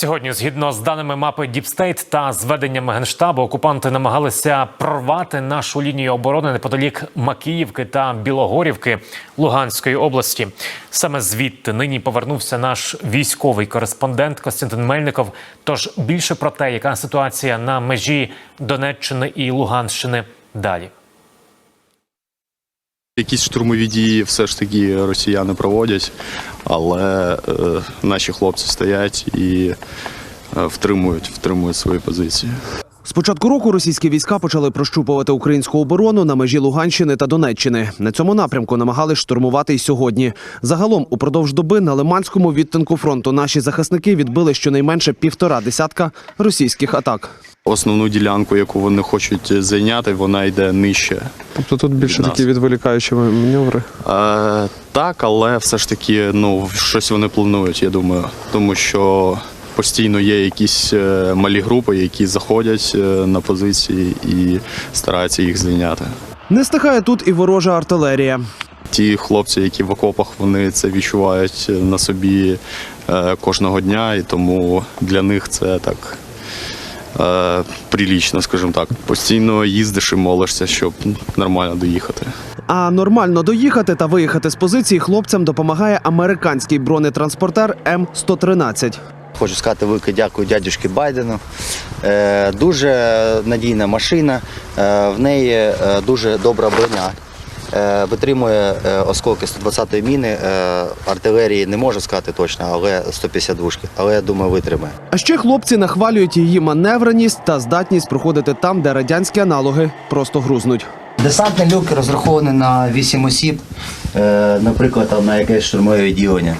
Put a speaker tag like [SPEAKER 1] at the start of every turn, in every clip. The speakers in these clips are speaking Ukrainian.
[SPEAKER 1] Сьогодні, згідно з даними мапи Діпстейт та зведеннями Генштабу, окупанти намагалися прорвати нашу лінію оборони неподалік Макіївки та Білогорівки Луганської області. Саме звідти нині повернувся наш військовий кореспондент Костянтин Мельников. Тож більше про те, яка ситуація на межі Донеччини і Луганщини далі.
[SPEAKER 2] Якісь штурмові дії все ж таки росіяни проводять, але наші хлопці стоять і втримують свої позиції.
[SPEAKER 3] З початку року російські війська почали прощупувати українську оборону на межі Луганщини та Донеччини. На цьому напрямку намагались штурмувати й сьогодні. Загалом, упродовж доби на Лиманському відтинку фронту наші захисники відбили щонайменше 1,5 десятка російських атак.
[SPEAKER 2] Основну ділянку, яку вони хочуть зайняти, вона йде нижче.
[SPEAKER 4] Тобто тут більше такі відволікаючі маневри?
[SPEAKER 2] Так, але все ж таки щось вони планують, я думаю. Тому що постійно є якісь малі групи, які заходять на позиції і стараються їх зайняти.
[SPEAKER 3] Не стихає тут і ворожа артилерія.
[SPEAKER 2] Ті хлопці, які в окопах, вони це відчувають на собі кожного дня, і тому для них це так прилічно, скажімо так. Постійно їздиш і молишся, щоб нормально доїхати.
[SPEAKER 3] А нормально доїхати та виїхати з позиції хлопцям допомагає американський бронетранспортер М113.
[SPEAKER 5] Хочу сказати велике дякую дядюшки Байдену. Дуже надійна машина, в неї дуже добра броня. Витримує осколки 120-ї міни, артилерії не можу сказати точно, але 152-шки, але я думаю, витримає.
[SPEAKER 3] А ще хлопці нахвалюють її маневреність та здатність проходити там, де радянські аналоги просто грузнуть.
[SPEAKER 5] Десантний люк розрахований на 8 осіб, наприклад, на якесь штурмове відділення.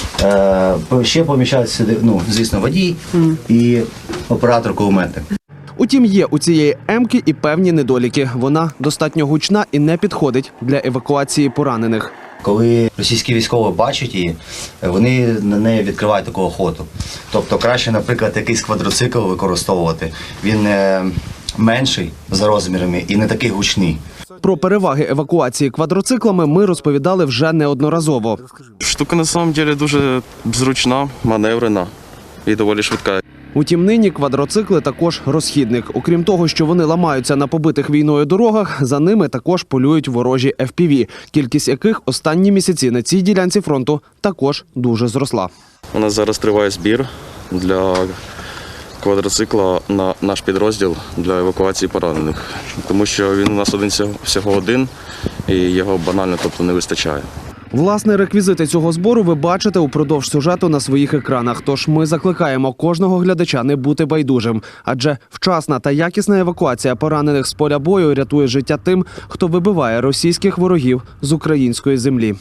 [SPEAKER 5] Ще поміщається сюди, звісно, водій і оператор-кулеметник.
[SPEAKER 3] Утім, є у цієї М-ки і певні недоліки. Вона достатньо гучна і не підходить для евакуації поранених.
[SPEAKER 5] Коли російські військові бачать її, вони на неї відкривають таку охоту. Тобто краще, наприклад, якийсь квадроцикл використовувати. Він менший за розмірами і не такий гучний.
[SPEAKER 3] Про переваги евакуації квадроциклами ми розповідали вже неодноразово.
[SPEAKER 4] Штука на самом деле дуже зручна, маневрена і доволі швидка.
[SPEAKER 3] Утім, нині квадроцикли також розхідник. Окрім того, що вони ламаються на побитих війною дорогах, за ними також полюють ворожі FPV, кількість яких останні місяці на цій ділянці фронту також дуже зросла.
[SPEAKER 4] У нас зараз триває збір для квадроцикла на наш підрозділ для евакуації поранених. Тому що він у нас всього один і його банально не вистачає.
[SPEAKER 3] Власне, реквізити цього збору ви бачите упродовж сюжету на своїх екранах. Тож ми закликаємо кожного глядача не бути байдужим. Адже вчасна та якісна евакуація поранених з поля бою рятує життя тим, хто вибиває російських ворогів з української землі.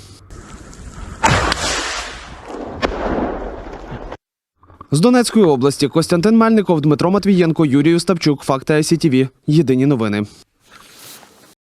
[SPEAKER 3] З Донецької області Костянтин Мельников, Дмитро Матвієнко, Юрій Остапчук. Факти ICTV. Єдині новини.